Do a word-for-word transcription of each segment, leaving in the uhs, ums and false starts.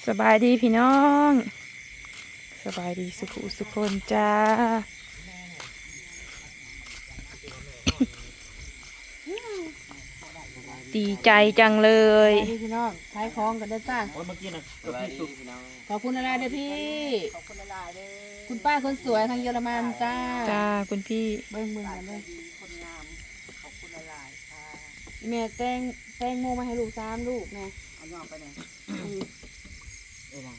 สบายดีพี่น้องสบายดีสุขุสุขคนจ้า ดีใจจังเลยพี่น้องขายของกันได้จ้าโอ้ยเมื่อกี้นะกับพี่สุพี่น้องขอบคุณอะไรเด้อพี่ขอบคุณอะไรเด้อคุณป้าคนสวยทางเยอรมันจ้าจ้าคุณพี่เบิ้งเบิ้งกันเลยคนงามขอบคุณอะไรค่ะแม่แตงแตงโมมาให้ลูกสามลูกแม่เอาย่อไปไหนเอ้ยนะ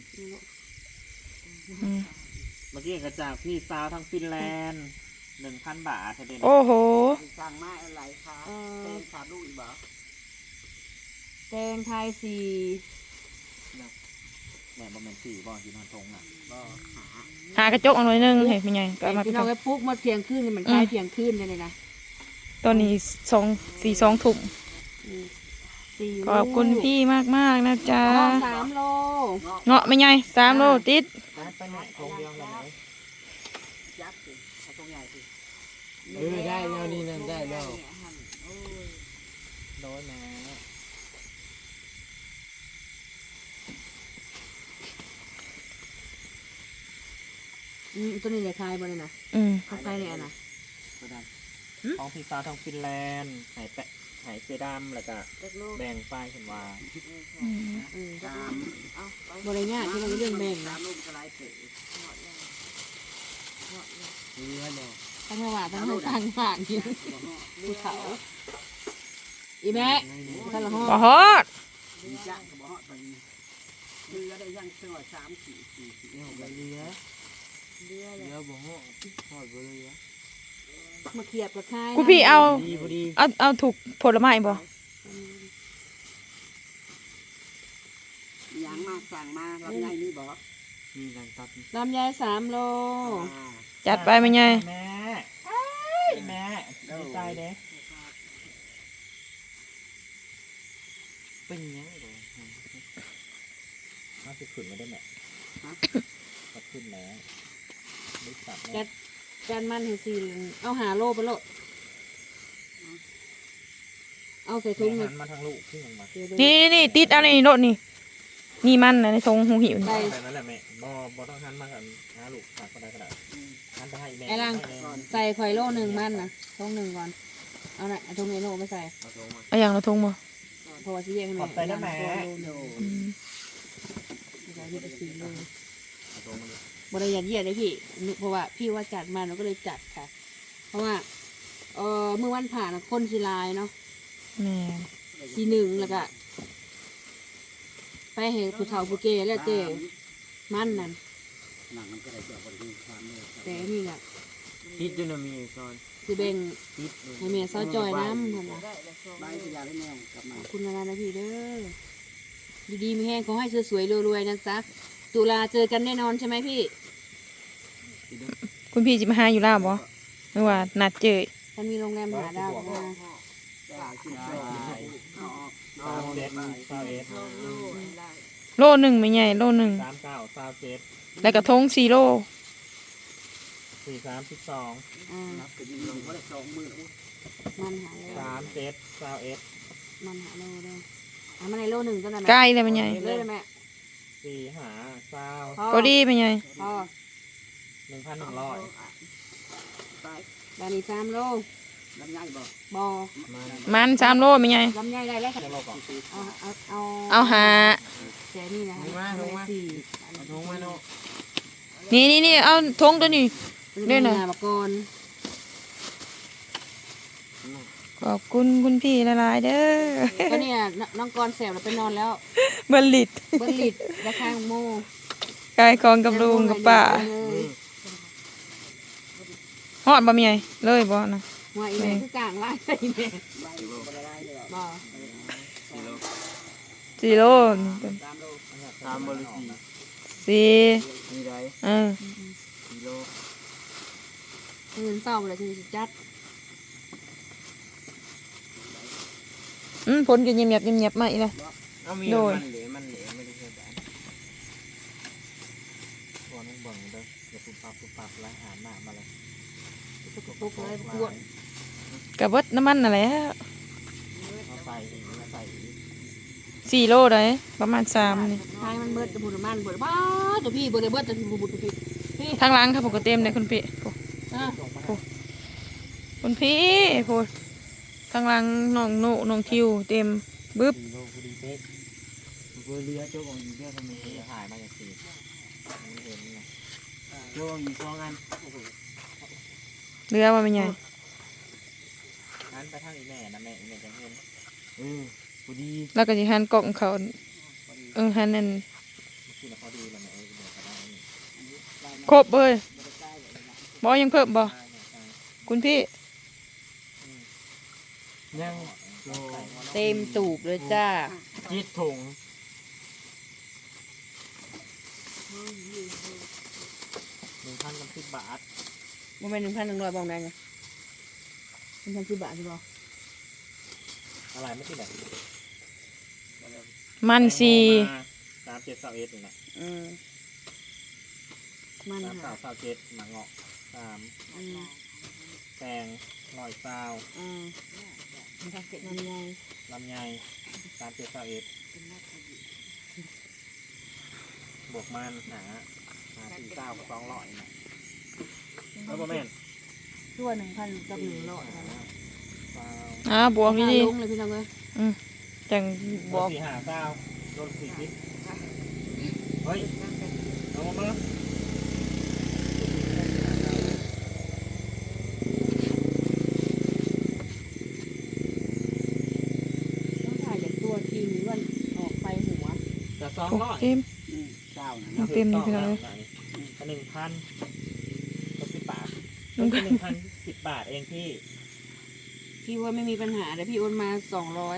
อืมเมื่อกี้กระจากพี่สาวทางฟินแลนด์หนึ่งพันบาทเท่าเดิมโอ้โหสั่งมาอะไรคะแตงสามลูกอีกบ่แตงไทยสี่แหม่บะหมี่สี่บ่อที่นอนทงอ่ะบ่หากระจกเอาหน่อยนึงเห็นเป็นไงก็เอามาพี่น้องไอ้ปุ๊กมาเที่ยงคืนนี่มันคลายเที่ยงคืนเลยนะตอนนี้สองสี่สองถุงสี่ขอบคุณพี่มากมากๆนะจ๊ะสามโลเงาะไม่ไงสามโลติดไปไหนทงเดียวเลยไหนยักษ์สิเอาตรงใหญ่สิเออได้แล้วนี่นั่นได้แล้วโดนนะอืมตัวนี้เลยคลายบ่เลยนะอืมเขาคลายเนี่ยนะของพี่สาวทางฟินแลนด์หายแปะหายเจดำแล้วก็แบ่งไฟเห็นว่าอืมเออบ่ได้ยากที่เราเรื่องแบ่งนะเรือเนาะทั้งระหว่างทั้งทางผ่านอยู่ภูเขาอีแม่ท่านละห้องบ่ฮอดเรือได้ยังเสือสามสี่สี่เนี่ยเรือเรือเรือบ่ฮอดฮอดบ่เรือมาเขียบกับคลายคุณพี่เอาดีพอดีเอาเอาถูกผลไม้บ่ยังมาสั่งมาลำไยนี่บอกมีการตัดลำไยสามโลจัดไปไม่ไงแม่แม่ดีใจเด้เป็นยังไงน่าจะขึ้นมาได้ไหมก็ขึ้นแล้วไม่ตัดแกนแกนมันเห็นสี่เอาหาโลไปโลดเอาใส่ถุงหัเลยนมาทางลูกขึ้นมานี่นี่นี่ติดอะไรนี่รถนี่นี่มันนะในทรงหูหิวนี่ใส่แต่นั่นแหละแม่บอบอต้องหันมากันหาลูกตัดก็ได้ก็ได้หันไปให้แม่ไอ้ลังใส่ข่อยโลหนึ่งมันนะถุงหนึ่งก่อนเอาหน่ะถุงนี้โลไม่ใส่เอาอย่างละทงบ่เพราะว่าที่แยกให้ขแม่อบใจนะแม่อืมใส่ที่ไปสี่โลบริยาเยียดเลยพี่เพราะว่าพี่ว่าจัดมาหนูก็เลยจัดค่ะ เพราะว่าเออเมื่อวันผ่านน่ะคนสีลายเนาะแม่สีหนึ่งแล้วก็ไปเห็นผู้เฒ่าผู้แก่แล้วเจ้มันนั่นหนังมันก็ได้เกี่ยวกับความเนี่ยแต่อันนี่แหละพิษจุนมีก่อนสิเบ่งพิษให้แม่เศร้าจอยน้ำค่ะนะใบพยาได้แมวกลับมาขอบคุณอะไรนะพี่เด้อดีๆมีแห้งขอให้สวยๆรวยๆนะจ๊ะตุลาเจอกันแน่นอนใช่ไหมพี่คุณพี่จะมาหาอยู่แล้วบ่ไม่ว่านัดเจอท่านมีโรงแรมหาดาวมาได้กินได้เอาออกสามเจ็ดสามเอ็ดโลหนึ่งไม่ใหญ่โลหนึ่งสามเก้าสามเจ็ดแล้วก็ทงสี่โลสี่สามสิบสองอ่านับไปยิงลงก็ได้สองมือมันหาโลสามเจ็ดสามเอ็ดมันหาโลเด้ออ่ะมันในโลหนึ่งก็ได้ไหมใกล้เลยไม่ใหญ่เลยได้ไหมสี่หาเศร้าพอดีไม่ใหญ่พอหนึ่งพันหนึ่งร้อยไปบานีสามโลลำไยบอกบอมันมันสามโลไม่ใหญ่ลำไยได้แล้วค่ะจะโลก่อนเอาเอาเอาเอาหาแจนี่นะลงมาลงมาสี่เอาทงมาโน่นี่นี่นี่เอาทงตัวนี้เล่นนะบกรขอบคุณคุณพี่ละลายๆเด้อก็เนี่ยน้องกรแสบเราไปนอนแล้วเบอร์ลิดเบิ้ลลิดราคาโมกายกองกับลุงกับป้าฮอดบ่มีไงเลยบ่นะว่าอีแม่คือกลางไล่อีแม่ใบบอกอะไรเลยบอสี่โลสามบริสีสี่มีไรเออสี่โลเงินเศร้าเลยคือจัดอืมผลก็เงียบๆเงียบๆมาอีกแล้วเอามีโดยมันเหลวมันเหลวไม่ได้ใช่แบบตัวน้องเบิ่งเด้ออย่าปุบปับปุบปับแล้วหาหน้ามาเลยปุ๊บเลยปวดกระเบิดน้ำมันน่ะแหละเอาใส่อีกเอาใส่อีกสี่โลได้ประมาณสามนี่ทายมันเบิดจะบุญมันเบิดบ้าตัวพี่เบิดเบิดจะบุญตัวพี่พี่ทางหล้างครับผมก็เต็มเลยคุณพี่โอ้อ่ะคุณพี่โอ้ทางหล้างน้องโนน้องทิวเต็มบึ๊บสี่โลพอดีเป๊ะเบอร์เรือโจ๊กของอยู่เยอะทำไมถ่ายมาจากสี่ไม่เห็นไงโจ๊กอยู่สองอันเรือว่าเป็นไงนั้นไปทางอีแม่นะแม่อีแม่จะเห็นเออพอดีแล้วก็จะหันกล่องเขาเออหันนั่นที่เราพอดีแล้วแม่เออเดี๋ยวก็ได้นี่ครบเลยบอยังเพิ่มบอคุณพี่ยังโลเต็มตูบเลยจ้าจิตถุงหนึ่งพันกับสิบบาทมันเป็นหนึ่งพันหนึ่งร้อยบองได้ไงหนึ่งพันสิบบาทใช่ปะอะไรไม่ติดแบบมันสีสามเจ็ดสามเอ็ดนี่แหละอืมมันสามค่ะสาวสาวเจ็ดหมังเงาะสามอืมแตงลอยซาวอืมมันทำเสร็จมันไงลำไยสามเจ็ดสามเอ็ดบวกมันหาหาสี่เก้ากับสองร้อยนะแล้วก็แม่นชั่วหนึ่งพันกับหนึ่งร้อยนะซาวอ่าบวกดีลงเลยพี่น้องเลยๆอืมจังบบวอก กสี่หาซาวโดนสี่ทิศเฮ้ยเอามามาต้องถ่ายจากตัวทีนี้วันออกไปหัวแต่สองโอ้ร้อยเต็มอืมเจ้านะเต็มนี่พี่น้องเลยหนึ่งพันก็สิบบาทหนึ่งพันหนึ่งพันสิบบาทเองพี่พี่ว่าไม่มีปัญหาแต่พี่โอนมาสองร้อย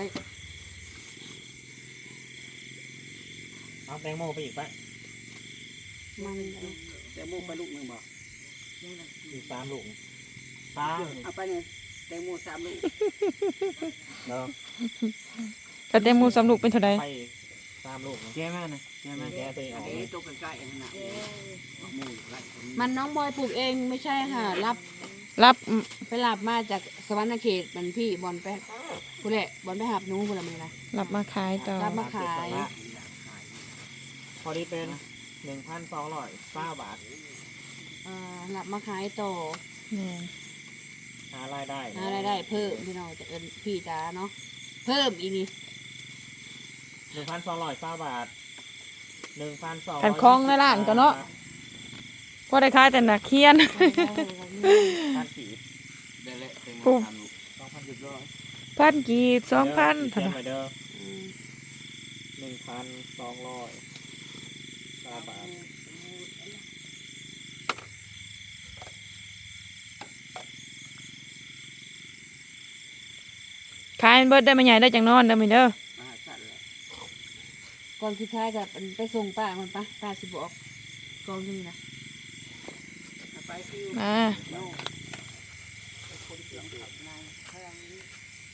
เอาแตงโมไปอีกปะมันแต่โมไปลูกหนึ่งบอกอีกสามลูกสามเอาไปเนี่ยแตงโมสามลูกเนาะกระเต็มหมูสำลูกเป็นเท่าไรไปสามลูกแก้แม่นะแก้แม่แก้ตัวเองออกเอ๊ะตัวใกล้ๆนั่นน่ะโมไล่คนมันน้องบอยปลูกเองไม่ใช่ค่ะ รับรับไปรับมาจากสวรรณเขตมันพี่บอลไปกูแหละบอลไปหับหนู้นกูละมือนะรับมาขายต่อรับมาขายพอดีเป็นหนึ่งพันสองร้อยเก้าบาทเอ่อรับมาขายต่อนี่หารายได้หารายได้เพิ่มพี่น้องจากเอิ้นพี่จ้าเนาะเพิ่มอีนี่หนึ่งพันสองร้อยเก้าบาทหนึ่งพันสองขันคล้องในร้านก็เนาะพอได้ขายแต่หนักเคียนพันกีบได้แล้วแตงโมปุ๊บสามลูกสองพันหยุดร้อยพันกีบสองพันเท่าเท่าไหไหร่ร่เด้ออืมหนึ่งพันสองร้อยเก้าบาทขายเบิดได้มาใหญ่ได้จังนอนเด้อมั้ยเด้อมาสั่นแล้วก่อนสุดท้ายกับไปส่งป้ามันปะป้าสิบอกกองนี่นะเอาไปฟิวมาโน่คนเสียงขับนายพลังนี้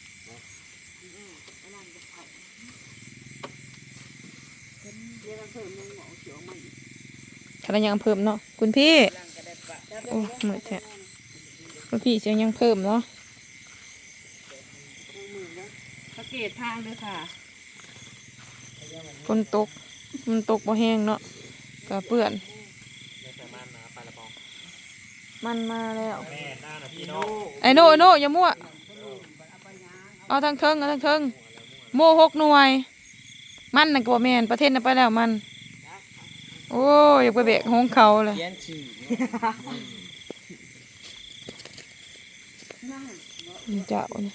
เรียกกันเพิ่มนึงหมอเขียวมันขนาดยังเพิ่มเนาะคุณพี่ร่างกระเด็ดปะโอ้เหมือนแท้คุณพี่เสียงยังเพิ่มเนาะสังเกตทางด้วยค่ะฝนตกมันตกบ่แห้งเนาะก็เปื้อนในสามารถนะปลาละปองมันมาแล้วแม่หน้านะพี่น้องไอ้โน่ไอ้โน่อย่ามั่วเอาทางเทิงเอาทางเทิงโม่หกหน่วย มันน่ะก็บ่แม่นประเทศน่ะไปแล้วมัน โอ้ยอยากไปแบกหงเขาเลยเลี้ยนฉี่เจ้าเนี่ย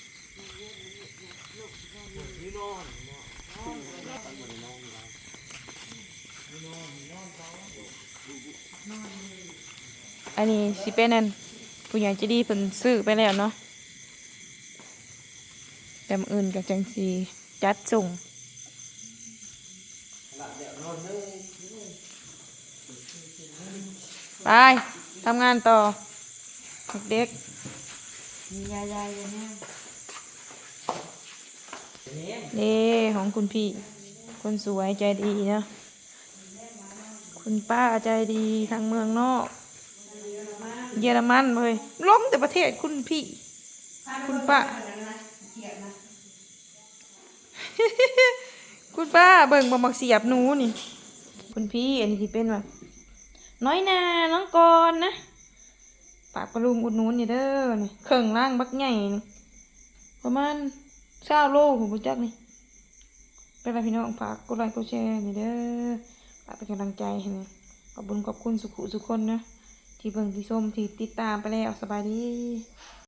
อันนี้สิเป็นนั่นผู้ใหญ่ใจะดีเพิ่นซื้อไปแล้วเนาะแต่มื้ออื่นกับจังสีจัดส่งไปทำงานต่อเด็กมียายายเนี่ยๆนี่ของคุณพี่ คนสวยใจดีเนาะคุณป้าใจดีทางเมืองนอก เยอรมันเลยล้มแต่ประเทศคุณพี่ คุณป้าคุณป้าเบิ่งบ่มักเสียบหนูนี่ คุณพี่อันนี้ที่เป็นว่าน้อยนาน้องกรนะปากปลุงอุดหนุนนี่เด้อนี่เครื่องล่างบักใหญ่นี่ประมาณเก้าโลผมรู้จักนี่เป็นไรพี่น้องฝากกดไลค์กดแชร์นี่เด้อฝากเป็นกำลังใจให้นี่ขอบคุณขอบคุณสุขุสุขคนนะที่เบิ่งที่ชมที่ติดตามไปแล้วสบายดี